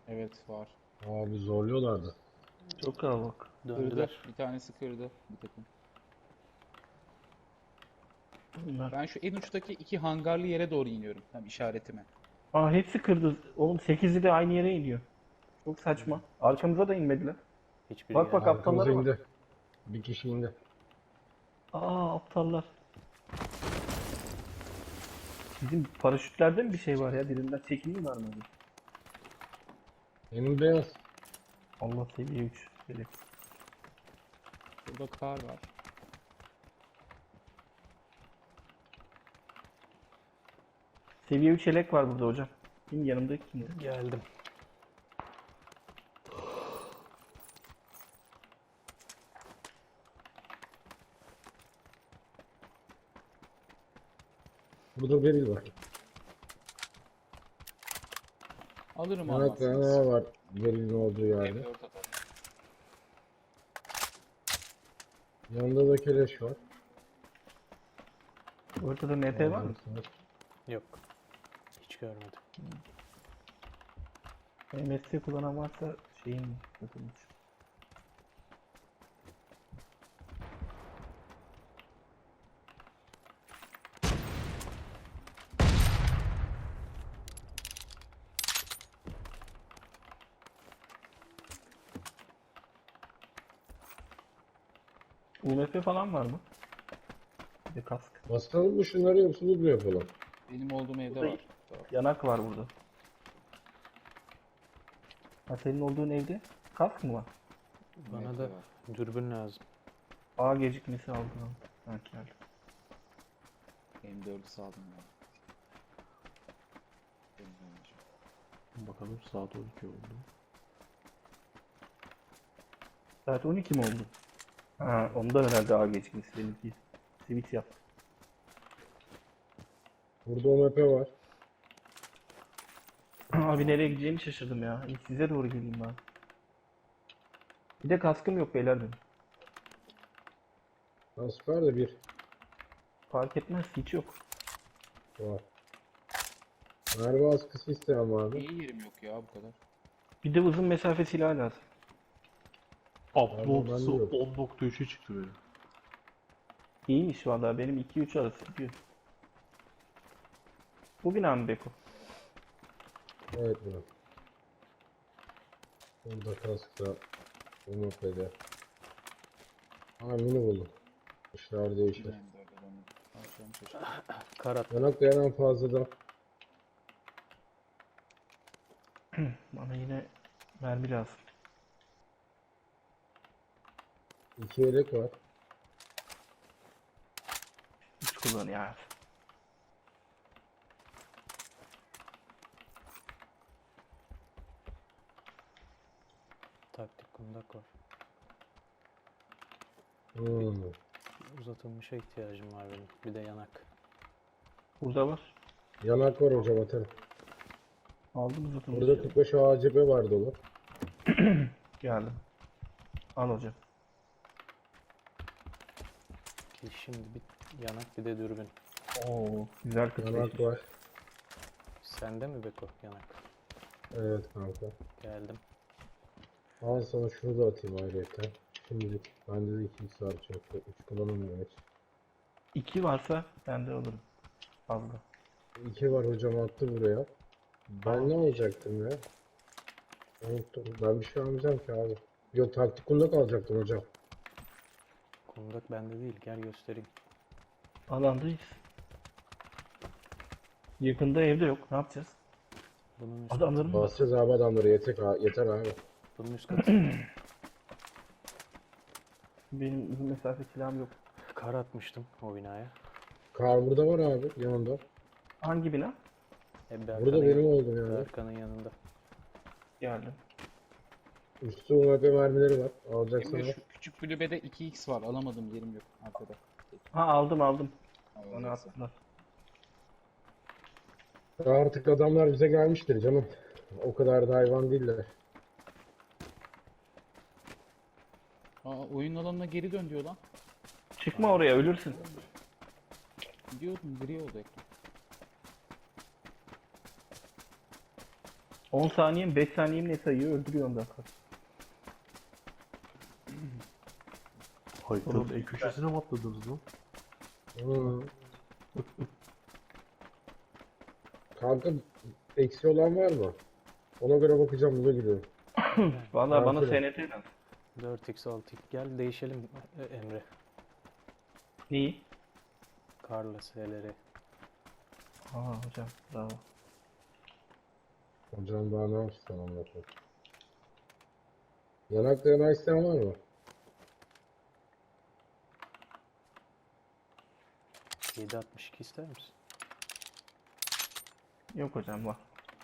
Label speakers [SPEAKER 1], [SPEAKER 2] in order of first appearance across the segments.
[SPEAKER 1] Evet var.
[SPEAKER 2] Abi zorluyorlardı.
[SPEAKER 3] Çok kalabalık.
[SPEAKER 1] Kırdı.
[SPEAKER 3] Döndüler.
[SPEAKER 1] Bir tanesi kırdı bir takım.
[SPEAKER 3] Bunlar.
[SPEAKER 1] Ben şu en uçtaki iki hangarlı yere doğru iniyorum. Tam işaretime.
[SPEAKER 3] Aa hepsi kırdı. Oğlum 8'i de aynı yere iniyor. Çok saçma. Arkamıza da inmediler.
[SPEAKER 4] Hiçbiri
[SPEAKER 3] Bak bak
[SPEAKER 4] gelmedi.
[SPEAKER 2] Arkamıza
[SPEAKER 3] aptallara bak.
[SPEAKER 2] indi. Bir kişi indi.
[SPEAKER 3] Aa aptallar. Bizim paraşütlerde mi bir şey var ya? Birinden çekiliyorlar mı?
[SPEAKER 2] Benim beyaz.
[SPEAKER 3] Allah seviye 3. Böyle.
[SPEAKER 1] Burada kar var.
[SPEAKER 3] Seviye 3 yelek var burada hocam. Kim yanımda kimdi?
[SPEAKER 4] Geldim.
[SPEAKER 2] Burada beril var.
[SPEAKER 1] Alırım
[SPEAKER 2] Evet,
[SPEAKER 1] almazsınız.
[SPEAKER 2] var. Berilin olduğu yerde.
[SPEAKER 1] M4 atarım.
[SPEAKER 2] Yanında da keleş var.
[SPEAKER 3] Ortada MP var mı?
[SPEAKER 4] Yok. Hiç görmedim.
[SPEAKER 3] MSC kullanan varsa şeyin yapılmış. UMP falan var mı? Bir de kask.
[SPEAKER 2] Basalım mı şunları yoksa bu yapalım?
[SPEAKER 1] Benim olduğum evde
[SPEAKER 3] Burada
[SPEAKER 1] var.
[SPEAKER 3] yanak var burada. Ha senin olduğun evde kask mı var?
[SPEAKER 4] Bana
[SPEAKER 1] MT
[SPEAKER 4] da
[SPEAKER 1] var.
[SPEAKER 4] dürbün lazım.
[SPEAKER 3] A gecikmesi aldım. Ha geldi.
[SPEAKER 1] M4'ü saldım ya. Bilmiyorum.
[SPEAKER 5] Bakalım saat 12 oldu.
[SPEAKER 3] Saat 12 mi oldu? Ha ondan herhalde A gecikmesi benimki. Switch yaptı.
[SPEAKER 2] Burada OMP var.
[SPEAKER 3] Abi nereye gideceğimi şaşırdım ya. İlk size doğru geleyim ben. Bir de kaskım yok beyler benim.
[SPEAKER 2] Asper de bir
[SPEAKER 3] Fark etmez hiç yok.
[SPEAKER 2] var. Merve askısı isteyen var mı?
[SPEAKER 1] İyi yerim yok ya bu kadar.
[SPEAKER 3] Bir de uzun mesafe silahı lazım.
[SPEAKER 5] Upload'sı
[SPEAKER 2] bende yok.
[SPEAKER 5] 10.3'e çıktı benim.
[SPEAKER 3] İyiymiş valla benim 2-3 arası gidiyor. Bu bina mı Beko?
[SPEAKER 2] Evet bu. Burada kaskta OMP'de. Ha mini buldum. İşler değişir.
[SPEAKER 1] Ben de öyle onu alacağım şaşırdım.
[SPEAKER 4] Karat.
[SPEAKER 2] Yanak dayanan fazladan.
[SPEAKER 3] Bana yine mermi lazım.
[SPEAKER 2] 2 yelek var.
[SPEAKER 3] 3 kullanıyor abi.
[SPEAKER 4] Taktik kundak var.
[SPEAKER 2] Hmm.
[SPEAKER 4] Uzatılmışa ihtiyacım var benim. Bir de yanak.
[SPEAKER 3] Burada var.
[SPEAKER 2] Yanak var hocam atarım.
[SPEAKER 3] Aldım zaten.
[SPEAKER 2] Burada 45 ACP var dolu.
[SPEAKER 3] Geldim. Al hocam.
[SPEAKER 4] Ki şimdi bir yanak bir de dürbün.
[SPEAKER 3] Oo güzel
[SPEAKER 2] Yanak
[SPEAKER 3] 45.
[SPEAKER 2] var.
[SPEAKER 4] Sende mi Beko yanak?
[SPEAKER 2] Evet kanka.
[SPEAKER 4] Geldim.
[SPEAKER 2] Al sana şunu da atayım ayrıca. Şimdilik bende de 2 var çok. 3 kullanılmıyor hiç.
[SPEAKER 3] 2 varsa ben de alırım. Fazla.
[SPEAKER 2] 2 var hocam attı buraya. Ben ne alacaktım ya? Unuttum. Ben bir şey almayacağım ki abi. Yok taktik kundak alacaktım hocam.
[SPEAKER 4] Kundak bende değil. Gel göstereyim.
[SPEAKER 3] Alandayız. Yakında evde yok. Ne yapacağız?
[SPEAKER 4] Bunun üst
[SPEAKER 3] Adamların mı?
[SPEAKER 2] Basacağız abi adamları yeter abi.
[SPEAKER 4] Bunun üst katı.
[SPEAKER 3] Benim uzun mesafe silahım yok.
[SPEAKER 4] Kar atmıştım o binaya.
[SPEAKER 2] Kar burada var abi yanında.
[SPEAKER 3] Hangi bina?
[SPEAKER 2] Burada benim oldum yani.
[SPEAKER 4] Berkan'ın yanında.
[SPEAKER 3] Geldim.
[SPEAKER 2] Üstü UMP mermileri var. Alacaksan
[SPEAKER 1] Emre
[SPEAKER 2] al.
[SPEAKER 1] şu küçük kulübede 2x var. Alamadım yerim yok arkada.
[SPEAKER 3] Ha aldım. Bana
[SPEAKER 1] Neyse.
[SPEAKER 3] attılar.
[SPEAKER 2] Artık adamlar bize gelmiştir canım. O kadar da hayvan değiller.
[SPEAKER 1] Aa, oyun alanına geri dön diyor lan.
[SPEAKER 3] Çıkma oraya ölürsün.
[SPEAKER 1] Gidiyordum gri oldu ekran.
[SPEAKER 3] 10 saniyem 5 saniyem ne sayıyor öldürüyor ondan sonra.
[SPEAKER 5] Haritanın en köşesine mi atladınız lan?
[SPEAKER 2] Hı. Kanka eksi olan var mı? Ona göre bakacağım, buna gidiyorum.
[SPEAKER 3] Vallahi bana
[SPEAKER 2] Aferin.
[SPEAKER 3] SNT lazım.
[SPEAKER 4] 4x 6x gel değişelim Emre.
[SPEAKER 3] Neyi?
[SPEAKER 4] Karla S'leri.
[SPEAKER 3] Aa hocam bravo.
[SPEAKER 2] Hocam daha ne yapsın anlatayım. Yanakta yanak isteyen var mı?
[SPEAKER 4] 7.62 ister misin?
[SPEAKER 3] Yok hocam var.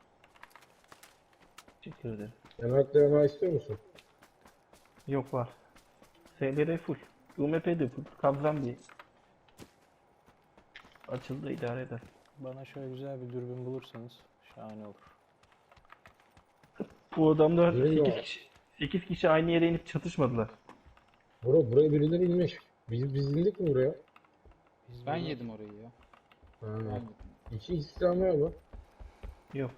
[SPEAKER 3] Teşekkür ederim.
[SPEAKER 2] Yanakta yanak istiyor musun?
[SPEAKER 3] Yok var. SLR full. UMP de full. Kabzan bir. Açıldı idare eder.
[SPEAKER 4] Bana şöyle güzel bir dürbün bulursanız şahane olur.
[SPEAKER 3] Bu adamlar
[SPEAKER 2] Değil mi
[SPEAKER 3] 8
[SPEAKER 2] o?
[SPEAKER 3] kişi. 8 kişi aynı yere inip çatışmadılar.
[SPEAKER 2] Buraya birileri inmiş. Biz indik mi buraya?
[SPEAKER 4] Biz
[SPEAKER 1] Ben
[SPEAKER 4] bunu-
[SPEAKER 1] yedim orayı ya.
[SPEAKER 2] Ha.
[SPEAKER 1] Ben yedim.
[SPEAKER 2] İki isteyen var mı?
[SPEAKER 3] Yok.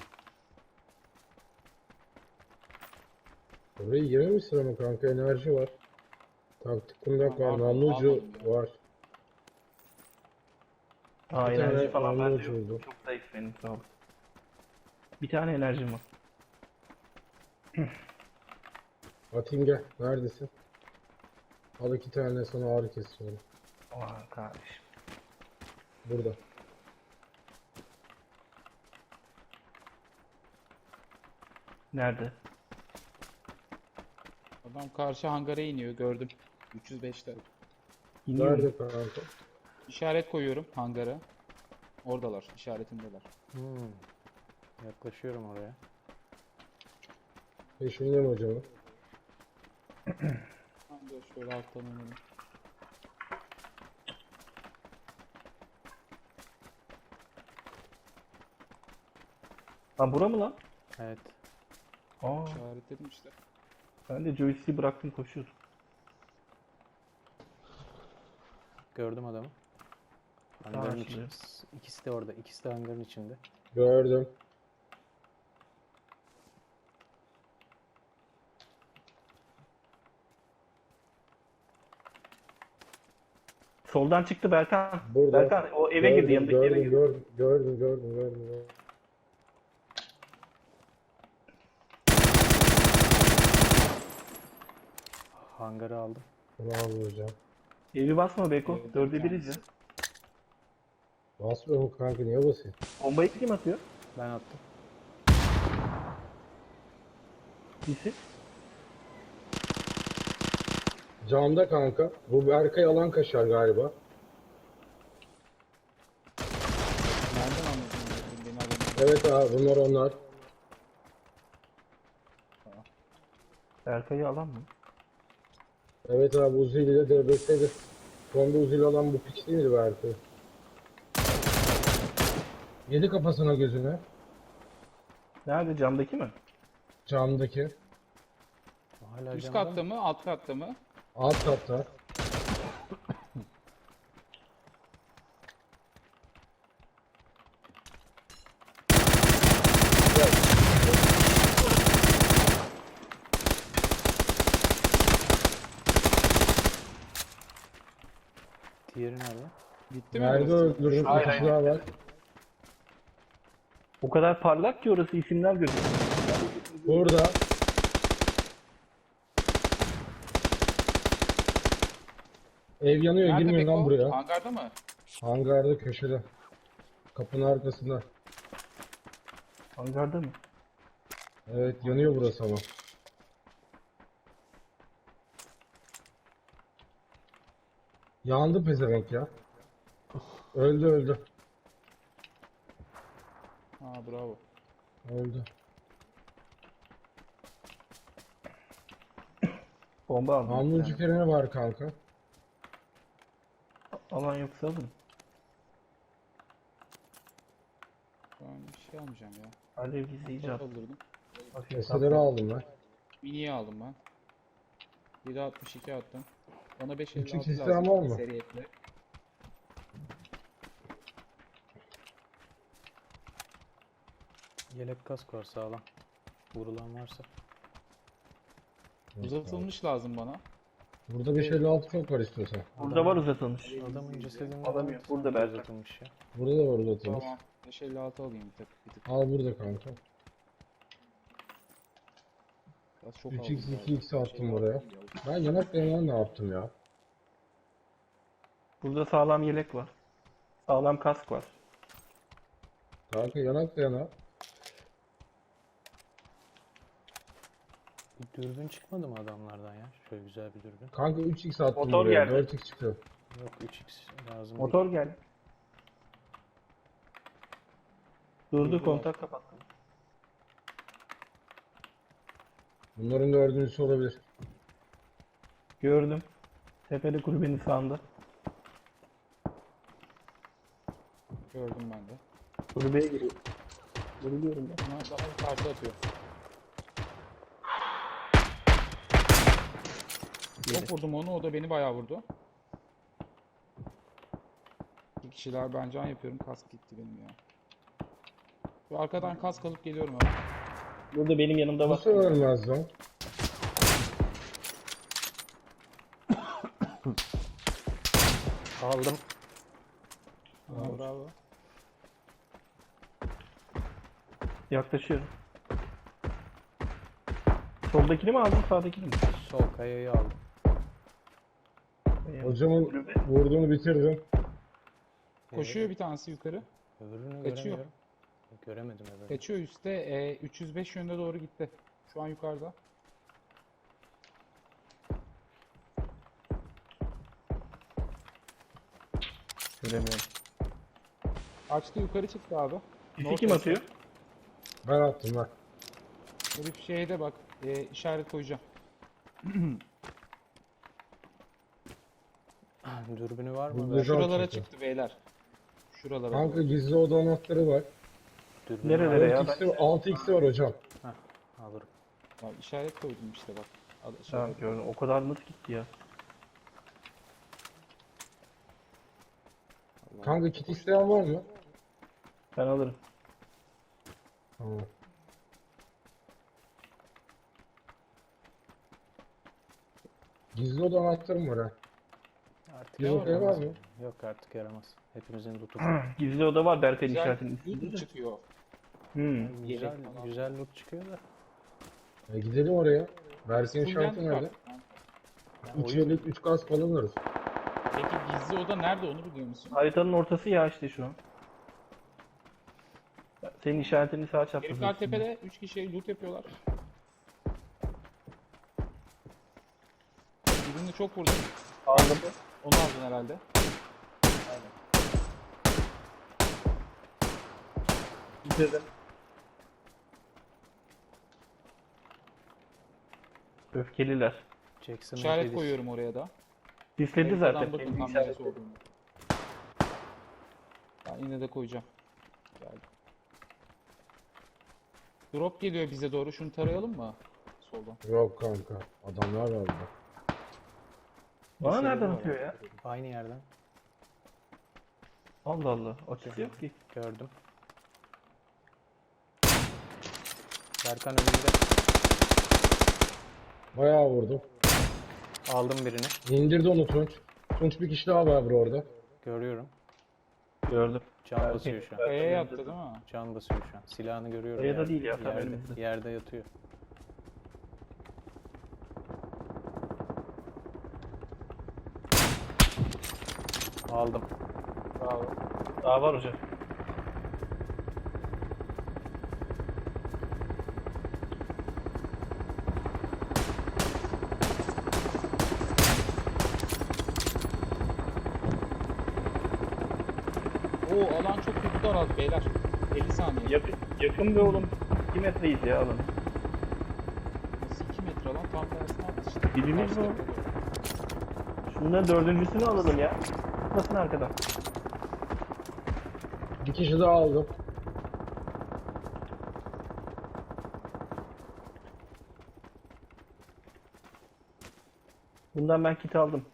[SPEAKER 2] Orayı yememişsin ama kanka, enerji var. Taktik kundak var,
[SPEAKER 1] Almadım,
[SPEAKER 2] namlu ucu
[SPEAKER 1] almadım ya.
[SPEAKER 2] var.
[SPEAKER 3] Aa
[SPEAKER 2] Bir tane
[SPEAKER 3] enerji falan
[SPEAKER 2] namlu
[SPEAKER 3] bende
[SPEAKER 2] ucu
[SPEAKER 3] yok.
[SPEAKER 2] oldu.
[SPEAKER 3] Çok zayıf benim sağ ol. Bir tane enerjim var.
[SPEAKER 2] Atayım gel. Neredesin? Al 2 tane, sana ağrı kesiyorum.
[SPEAKER 3] Aman kardeşim.
[SPEAKER 2] Burada.
[SPEAKER 3] Nerede?
[SPEAKER 1] Adam karşı hangara iniyor gördüm. 305'te.
[SPEAKER 3] İniyor mu?
[SPEAKER 2] Nerede kanka?
[SPEAKER 1] İşaret koyuyorum hangara. Oradalar, işaretimdeler.
[SPEAKER 4] Hmm. Yaklaşıyorum oraya.
[SPEAKER 2] Peşindeyim hocam.
[SPEAKER 1] Ben de şöyle alttan inelim.
[SPEAKER 3] Ha bura mı lan?
[SPEAKER 4] Evet.
[SPEAKER 3] Aa
[SPEAKER 1] İşaretledim işte.
[SPEAKER 3] ben de joystick'i bıraktım koşuyordum.
[SPEAKER 4] Gördüm adamı. Hangarın
[SPEAKER 3] Tamam,
[SPEAKER 4] içinde. İkisi de orada. İkisi de hangarın içinde.
[SPEAKER 2] Gördüm.
[SPEAKER 3] Soldan çıktı Berkan.
[SPEAKER 2] Burada.
[SPEAKER 3] Berkan o eve girdi yanındaki eve girdi.
[SPEAKER 2] Gördüm.
[SPEAKER 4] Hangarı aldım.
[SPEAKER 2] Bravo hocam.
[SPEAKER 3] Evi basma Beko.
[SPEAKER 1] Evde bir
[SPEAKER 3] 4'e 1'iz ya.
[SPEAKER 1] tanesi.
[SPEAKER 2] Basmıyor mu kanka, niye basayım?
[SPEAKER 3] Bombayı kim atıyor?
[SPEAKER 4] Ben attım.
[SPEAKER 3] Birisi.
[SPEAKER 2] Camda kanka. Bu Berkay alan kaşar galiba.
[SPEAKER 1] Nereden anladın beni adamı?
[SPEAKER 2] Evet abi, bunlar onlar.
[SPEAKER 3] Berkay'ı alan mı?
[SPEAKER 2] Evet abi, Uzi ile DBS'dir. Sonda Uzi ile alan bu piç değil miydi Berkay? Yedi kafasına gözüne.
[SPEAKER 3] Nerede camdaki mi?
[SPEAKER 2] Camdaki.
[SPEAKER 4] Hala
[SPEAKER 1] Üst
[SPEAKER 4] camda
[SPEAKER 1] katta
[SPEAKER 4] mı?
[SPEAKER 1] mı, alt katta mı?
[SPEAKER 2] Alt katta.
[SPEAKER 4] Diğeri nerede?
[SPEAKER 1] Bitti mi
[SPEAKER 2] Nerede
[SPEAKER 1] burası?
[SPEAKER 2] öldürdüm? Bir
[SPEAKER 3] Hayır,
[SPEAKER 2] kişi daha var.
[SPEAKER 3] O kadar parlak ki orası isimler gözüküyor.
[SPEAKER 2] Burada. Ev yanıyor,
[SPEAKER 1] Nerede
[SPEAKER 2] girmeyin lan
[SPEAKER 1] Beko?
[SPEAKER 2] buraya.
[SPEAKER 1] Hangarda mı?
[SPEAKER 2] Hangarda, köşede. Kapının arkasında.
[SPEAKER 3] Hangarda mı?
[SPEAKER 2] Evet, yanıyor burası ama. Yandı pezevenk ya. Öldü.
[SPEAKER 1] Aa bravo.
[SPEAKER 2] Öldü.
[SPEAKER 3] Bomba aldım.
[SPEAKER 2] Namlucu
[SPEAKER 3] Yani.
[SPEAKER 2] freni var kanka.
[SPEAKER 3] Alan yoksa alın.
[SPEAKER 1] Ben bir şey almayacağım ya.
[SPEAKER 3] Alev gizleyici at.
[SPEAKER 1] Öldürdüm.
[SPEAKER 3] Hafif
[SPEAKER 2] Eseleri
[SPEAKER 3] atla.
[SPEAKER 2] aldım ben.
[SPEAKER 1] Mini'yi aldım ben. 7.62 attım. Bana 5.56
[SPEAKER 2] Küçük
[SPEAKER 1] lazım.
[SPEAKER 2] sistem var mı?
[SPEAKER 1] Seri ekle.
[SPEAKER 4] Yelek kask var sağlam. Vurulan varsa.
[SPEAKER 1] Uzatılmış lazım bana.
[SPEAKER 2] Burada 556 çok var istiyorsan.
[SPEAKER 3] Burada var uzatılmış.
[SPEAKER 4] Adamın cesedinde
[SPEAKER 3] Alamıyor.
[SPEAKER 4] var.
[SPEAKER 3] Burada
[SPEAKER 4] Sanki
[SPEAKER 3] Berkay.
[SPEAKER 4] uzatılmış ya.
[SPEAKER 2] Burada da var uzatılmış.
[SPEAKER 1] Tamam. 556 alayım bir tık.
[SPEAKER 2] Al burada kanka.
[SPEAKER 1] Biraz çok
[SPEAKER 2] 3x
[SPEAKER 1] aldım
[SPEAKER 2] 2x
[SPEAKER 1] galiba.
[SPEAKER 2] attım oraya. Ben yanak dayanan ne yaptım ya?
[SPEAKER 3] Burada sağlam yelek var. Sağlam kask var.
[SPEAKER 2] Kanka yanak dayana.
[SPEAKER 4] Bir dürbün çıkmadı mı adamlardan ya? Şöyle güzel bir dürbün.
[SPEAKER 2] Kanka 3x attım
[SPEAKER 3] Motor
[SPEAKER 2] buraya.
[SPEAKER 3] geldi.
[SPEAKER 2] 4x çıkıyor.
[SPEAKER 4] Yok 3x lazım
[SPEAKER 3] Motor
[SPEAKER 4] değil.
[SPEAKER 3] geldi. Durdu, kontak kapattım.
[SPEAKER 2] Bunların dördüncüsü olabilir.
[SPEAKER 3] Gördüm. Tepede kulübenin sağında.
[SPEAKER 1] Gördüm ben de.
[SPEAKER 3] Kulübeye giriyor. Vuruluyorum ben.
[SPEAKER 1] Bana bir parça atıyor. Çok vurdum onu, o da beni bayağı vurdu. Bir kişiler, ben can yapıyorum, kask gitti benim ya. Şu arkadan kask alıp geliyorum hemen.
[SPEAKER 3] Burada benim yanımda var.
[SPEAKER 2] Nasıl ölmez lan?
[SPEAKER 4] Aldım.
[SPEAKER 1] Aa, bravo.
[SPEAKER 3] Yaklaşıyorum. Soldakini mi aldın, sağdakini mi?
[SPEAKER 4] Sol kayayı aldım.
[SPEAKER 2] Hocamın vurduğunu bitirdim.
[SPEAKER 1] Koşuyor bir tanesi yukarı.
[SPEAKER 4] Öbürünü
[SPEAKER 1] Kaçıyor.
[SPEAKER 4] göremiyorum. Göremedim öbürünü.
[SPEAKER 1] Kaçıyor üstte. 305 yönüne doğru gitti. Şu an yukarıda.
[SPEAKER 3] Göremiyorum.
[SPEAKER 1] Açtı, yukarı çıktı abi.
[SPEAKER 3] Sisi kim atıyor?
[SPEAKER 2] Ben attım bak.
[SPEAKER 1] Herif şeyde bak. İşaret koyacağım.
[SPEAKER 4] Dürbünü var mı?
[SPEAKER 2] Burada
[SPEAKER 4] Ver.
[SPEAKER 2] şu-
[SPEAKER 1] Şuralara
[SPEAKER 2] çıktı.
[SPEAKER 1] çıktı beyler. Şuralara
[SPEAKER 2] Kanka
[SPEAKER 1] doğru.
[SPEAKER 2] gizli oda anahtarı var.
[SPEAKER 4] Dürbünü
[SPEAKER 3] Nerelere ya?
[SPEAKER 2] 6x'i var hocam.
[SPEAKER 4] alırım.
[SPEAKER 1] Ya işaret koydum işte bak.
[SPEAKER 3] Tamam gördüm. O kadar nasıl gitti ya?
[SPEAKER 2] Kanka kit isteyen var mı?
[SPEAKER 3] Ben alırım.
[SPEAKER 2] Tamam. Gizli oda anahtarım var ha.
[SPEAKER 4] Artık
[SPEAKER 2] Gizli odaya var mı?
[SPEAKER 4] Yok artık yaramaz. Hepimizin lootu.
[SPEAKER 3] Gizli oda var Berkay'ın
[SPEAKER 1] Güzel
[SPEAKER 3] işaretinin
[SPEAKER 1] loot
[SPEAKER 3] üstünde
[SPEAKER 1] mu
[SPEAKER 3] de.
[SPEAKER 1] çıkıyor?
[SPEAKER 4] Güzel,
[SPEAKER 1] falan.
[SPEAKER 4] güzel loot çıkıyor da.
[SPEAKER 2] Gidelim oraya. Versiyon
[SPEAKER 1] Full
[SPEAKER 2] şartı
[SPEAKER 1] lens
[SPEAKER 2] nerede?
[SPEAKER 1] var.
[SPEAKER 2] 3 yıllık 3 gaz falan alırız.
[SPEAKER 1] Peki gizli oda nerede, onu biliyor musun?
[SPEAKER 3] Haritanın ortası ya işte şu an. Senin işaretini sağ çaprazı.
[SPEAKER 1] Herifler tepede 3 kişi loot yapıyorlar. Birini çok vurdum.
[SPEAKER 3] Aldım.
[SPEAKER 1] Onu aldın herhalde.
[SPEAKER 3] Bitirdim. Öfkeliler.
[SPEAKER 4] Jackson'ın
[SPEAKER 1] İşaret
[SPEAKER 4] kedisi.
[SPEAKER 1] koyuyorum oraya da.
[SPEAKER 3] Disledi
[SPEAKER 1] Haritadan
[SPEAKER 3] zaten.
[SPEAKER 1] bakın
[SPEAKER 3] Kendi
[SPEAKER 1] tam
[SPEAKER 3] işareti.
[SPEAKER 1] neresi olduğunu. Ben yine de koyacağım. Geldi. Drop geliyor bize doğru. Şunu tarayalım mı? Soldan.
[SPEAKER 2] Yok kanka. Adamlar var burada.
[SPEAKER 3] Bana
[SPEAKER 1] Bir
[SPEAKER 3] nereden
[SPEAKER 1] sürü var.
[SPEAKER 3] atıyor ya?
[SPEAKER 4] Aynı yerden
[SPEAKER 3] Allah Allah. Açısı yok ki.
[SPEAKER 4] gördüm. Berkan önünde.
[SPEAKER 2] Bayağı vurdum.
[SPEAKER 4] Aldım birini.
[SPEAKER 2] İndirdi onu Tunç. Tunç bir kişi daha var orada.
[SPEAKER 4] Görüyorum.
[SPEAKER 3] Gördüm.
[SPEAKER 4] Can basıyor şu an.
[SPEAKER 1] Kayaya yattı değil mi?
[SPEAKER 4] Can basıyor şu an. Silahını görüyorum.
[SPEAKER 3] Kayada
[SPEAKER 4] yerde.
[SPEAKER 3] değil ya, tam
[SPEAKER 4] Yerde,
[SPEAKER 3] önümüzde.
[SPEAKER 4] yerde yatıyor. Aldım.
[SPEAKER 1] Bravo.
[SPEAKER 3] Daha var hocam.
[SPEAKER 1] Oo, alan çok kötü daraldı beyler. 50 saniye.
[SPEAKER 3] Yakın be oğlum. 2 metreyiz ya alanı.
[SPEAKER 1] Nasıl 2 metre lan? Tam tersine attı işte.
[SPEAKER 3] Dibimiz
[SPEAKER 1] Karşı
[SPEAKER 3] bu.
[SPEAKER 1] tepede.
[SPEAKER 3] Şundan dördüncüsünü alalım ya. Nasıl arkadan?
[SPEAKER 2] Bir kişi daha aldım.
[SPEAKER 3] Bundan ben kit aldım.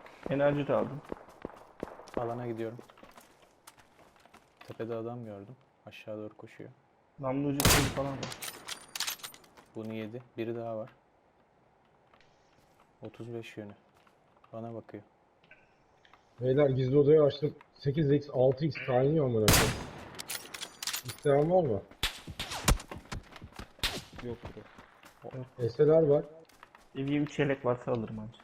[SPEAKER 3] Enerji de aldım.
[SPEAKER 4] Alana gidiyorum. Tepede adam gördüm. Aşağı doğru koşuyor.
[SPEAKER 3] Namlu ucu kolu falan var.
[SPEAKER 4] Bunu yedi. Biri daha var. 35 yönü. Bana bakıyor.
[SPEAKER 2] Beyler gizli odayı açtım. 8x 6x kaynıyor amına koyayım. İsteyen var mı?
[SPEAKER 1] Yok bro.
[SPEAKER 2] SLR var.
[SPEAKER 3] Seviye 3 yelek varsa alırım ancak.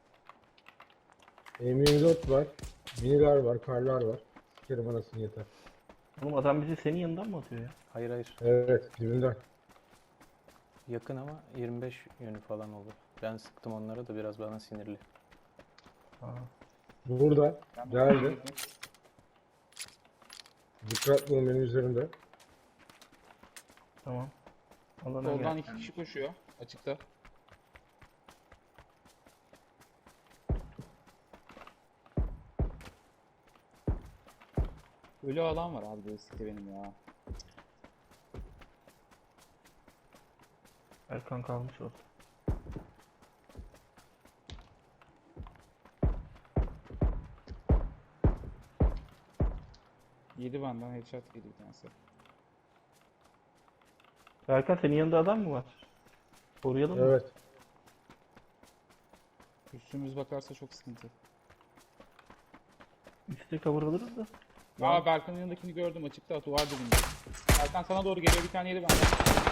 [SPEAKER 2] M24 var. Miniler var, karlar var. Sikerim anasını yeter.
[SPEAKER 3] Oğlum adam bizi senin yanından mı atıyor ya?
[SPEAKER 4] Hayır hayır.
[SPEAKER 2] Evet, dibinden.
[SPEAKER 4] Yakın ama 25 yönü falan oldu. Ben sıktım onlara da biraz bana sinirli.
[SPEAKER 3] Aa.
[SPEAKER 2] Burada.
[SPEAKER 1] Ben
[SPEAKER 2] Geldi. Dikkatli olun benim üzerimde.
[SPEAKER 3] Tamam. Alana
[SPEAKER 1] Soldan
[SPEAKER 3] gel.
[SPEAKER 1] 2 kişi koşuyor. Açıkta. Ölü alan var abi Joystick'te benim ya.
[SPEAKER 3] Erkan kalmış orada.
[SPEAKER 1] Yedi benden headshot yedi bir tanesi.
[SPEAKER 3] Erkan senin yanında adam mı var? Koruyalım mı?
[SPEAKER 2] Evet.
[SPEAKER 1] Üstümüz bakarsa çok sıkıntı.
[SPEAKER 3] Üste cover alırız da.
[SPEAKER 1] Aa Berkan'ın yanındakini gördüm açıkta duvar dibinde. Berkan sana doğru geliyor bir tane yedi benden.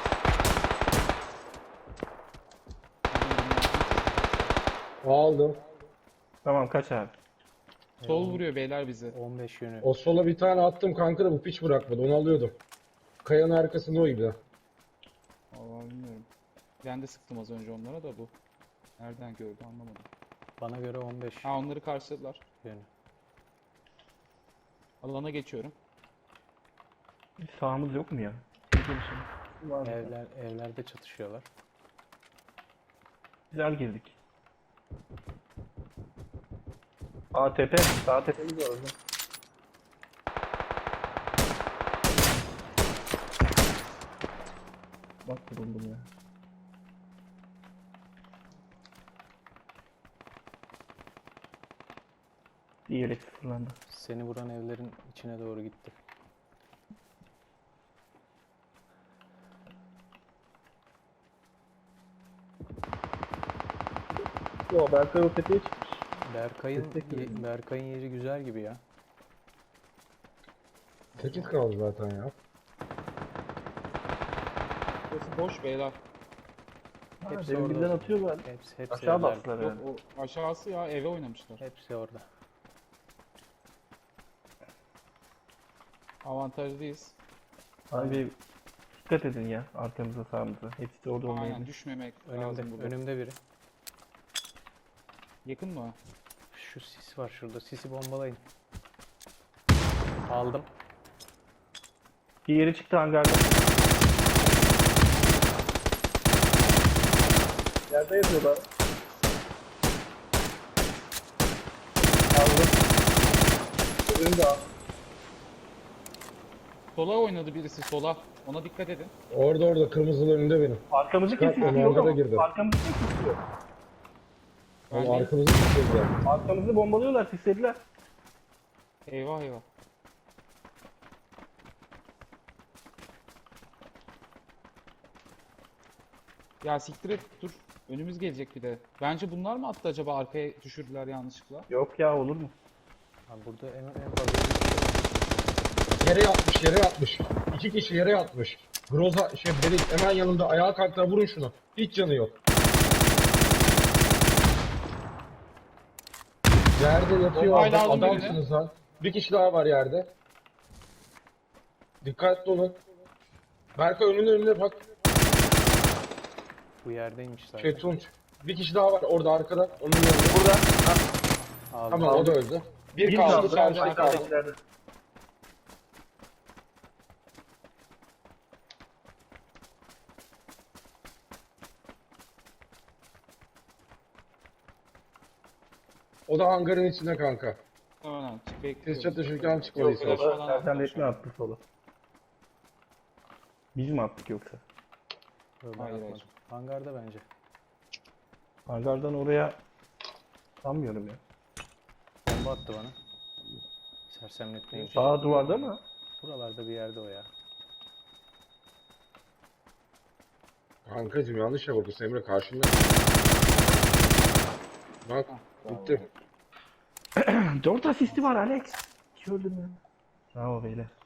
[SPEAKER 2] Aldım.
[SPEAKER 3] Tamam kaç abi.
[SPEAKER 1] Sol vuruyor beyler bizi.
[SPEAKER 4] 15 yönü.
[SPEAKER 2] O sola bir tane attım kanka da bu piç bırakmadı. Onu alıyordum. Kayanın arkasında o gibi.
[SPEAKER 1] Vallahi bilmiyorum. Ben de sıktım az önce onlara da bu. Nereden gördü anlamadım.
[SPEAKER 4] Bana göre 15
[SPEAKER 1] Ha onları karşıladılar.
[SPEAKER 4] yönü.
[SPEAKER 1] Alana geçiyorum.
[SPEAKER 3] Sağımız yok mu ya? Gelişim. Var.
[SPEAKER 4] Evlerde çatışıyorlar.
[SPEAKER 3] Güzel girdik. Aa tepe. Sağ tepemiz var orada. Bak vuruldum ya. Diğeri sıfırlandı.
[SPEAKER 4] Seni vuran evlerin içine doğru gitti.
[SPEAKER 3] Yo Berkay o tepeye çıkmış.
[SPEAKER 4] Berkay'ın yeri güzel gibi ya.
[SPEAKER 2] 8 kaldı zaten ya.
[SPEAKER 1] Burası boş beyler.
[SPEAKER 4] Hepsi
[SPEAKER 3] Demin
[SPEAKER 4] orada.
[SPEAKER 3] birden atıyorlar.
[SPEAKER 4] Hepsi
[SPEAKER 3] Aşağı
[SPEAKER 4] evlerde.
[SPEAKER 3] bastılar
[SPEAKER 1] Yok
[SPEAKER 3] herhalde.
[SPEAKER 1] o aşağısı ya eve oynamışlar.
[SPEAKER 4] Hepsi orada.
[SPEAKER 1] Avantajlıyız.
[SPEAKER 3] Abi dikkat edin ya arkamıza sağımıza. Hepsi de orada
[SPEAKER 1] Aynen
[SPEAKER 3] olmayabilir.
[SPEAKER 1] düşmemek
[SPEAKER 4] Önümde,
[SPEAKER 1] lazım burada.
[SPEAKER 4] önümde biri.
[SPEAKER 1] Yakın mı?
[SPEAKER 4] Şu sis var şurada. Sisi bombalayın. Aldım.
[SPEAKER 3] Diğeri çıktı hangarda. Yerde yatıyorlar. Aldım. Öbürünü de al.
[SPEAKER 1] Sola oynadı birisi sola. Ona dikkat edin.
[SPEAKER 2] Orada kırmızılı önünde benim.
[SPEAKER 3] Arkamızı
[SPEAKER 2] Çıkart,
[SPEAKER 3] kesiyor.
[SPEAKER 2] onu
[SPEAKER 3] Yok
[SPEAKER 2] arkada
[SPEAKER 3] ama.
[SPEAKER 2] girdi.
[SPEAKER 3] Arkamızı kesiyor.
[SPEAKER 1] Ben
[SPEAKER 2] Ama
[SPEAKER 1] de-
[SPEAKER 2] arkamızı tutuyorlar.
[SPEAKER 3] Arkamızı bombalıyorlar, sislediler.
[SPEAKER 1] Eyvah eyvah. Ya siktir et dur. Önümüz gelecek bir de. Bence bunlar mı attı acaba arkaya düşürdüler yanlışlıkla?
[SPEAKER 3] Yok ya olur mu?
[SPEAKER 4] Abi burada en fazla bir kişi var.
[SPEAKER 2] Yere yatmış. 2 kişi yere yatmış. Groza Berik hemen yanımda ayağa kalktılar vurun şunu. Hiç canı yok. Yerde yatıyor
[SPEAKER 1] Bombayla
[SPEAKER 2] adam,
[SPEAKER 1] aldım birini.
[SPEAKER 2] adamsınız lan. Bir kişi daha var yerde. Dikkatli olun. Berkay önüne bak.
[SPEAKER 4] Bu yerdeymiş zaten.
[SPEAKER 2] Tunç. Bir kişi daha var orada arkada. Onun yanında.
[SPEAKER 3] Burada.
[SPEAKER 4] Aldım.
[SPEAKER 2] Tamam o da öldü. Bir kaldı içeride kaldı.
[SPEAKER 3] Arkadakilerde.
[SPEAKER 2] O da hangarın içinde kanka.
[SPEAKER 1] Hemen çık
[SPEAKER 2] Siz
[SPEAKER 1] bekliyoruz.
[SPEAKER 2] çatışırken
[SPEAKER 1] Yok,
[SPEAKER 2] çıkmalıyız.
[SPEAKER 1] flash falan
[SPEAKER 3] Serkan
[SPEAKER 1] attılar
[SPEAKER 3] resmi
[SPEAKER 1] şu an.
[SPEAKER 3] attı sola. Biz mi attık yoksa?
[SPEAKER 4] Yok, ben
[SPEAKER 1] Hayır,
[SPEAKER 4] atmadım.
[SPEAKER 1] hayır.
[SPEAKER 4] Hangarda bence.
[SPEAKER 3] Hangardan oraya sanmıyorum ya.
[SPEAKER 4] Bomba attı bana. Sersemletmeymiş.
[SPEAKER 3] Sağ duvarda mı?
[SPEAKER 4] Buralarda bir yerde o ya.
[SPEAKER 2] Kankacım yanlış yapıyorsun Emre karşında. Bak bitti.
[SPEAKER 3] 4 asisti var Alex. Gördün mü? Bravo beyler.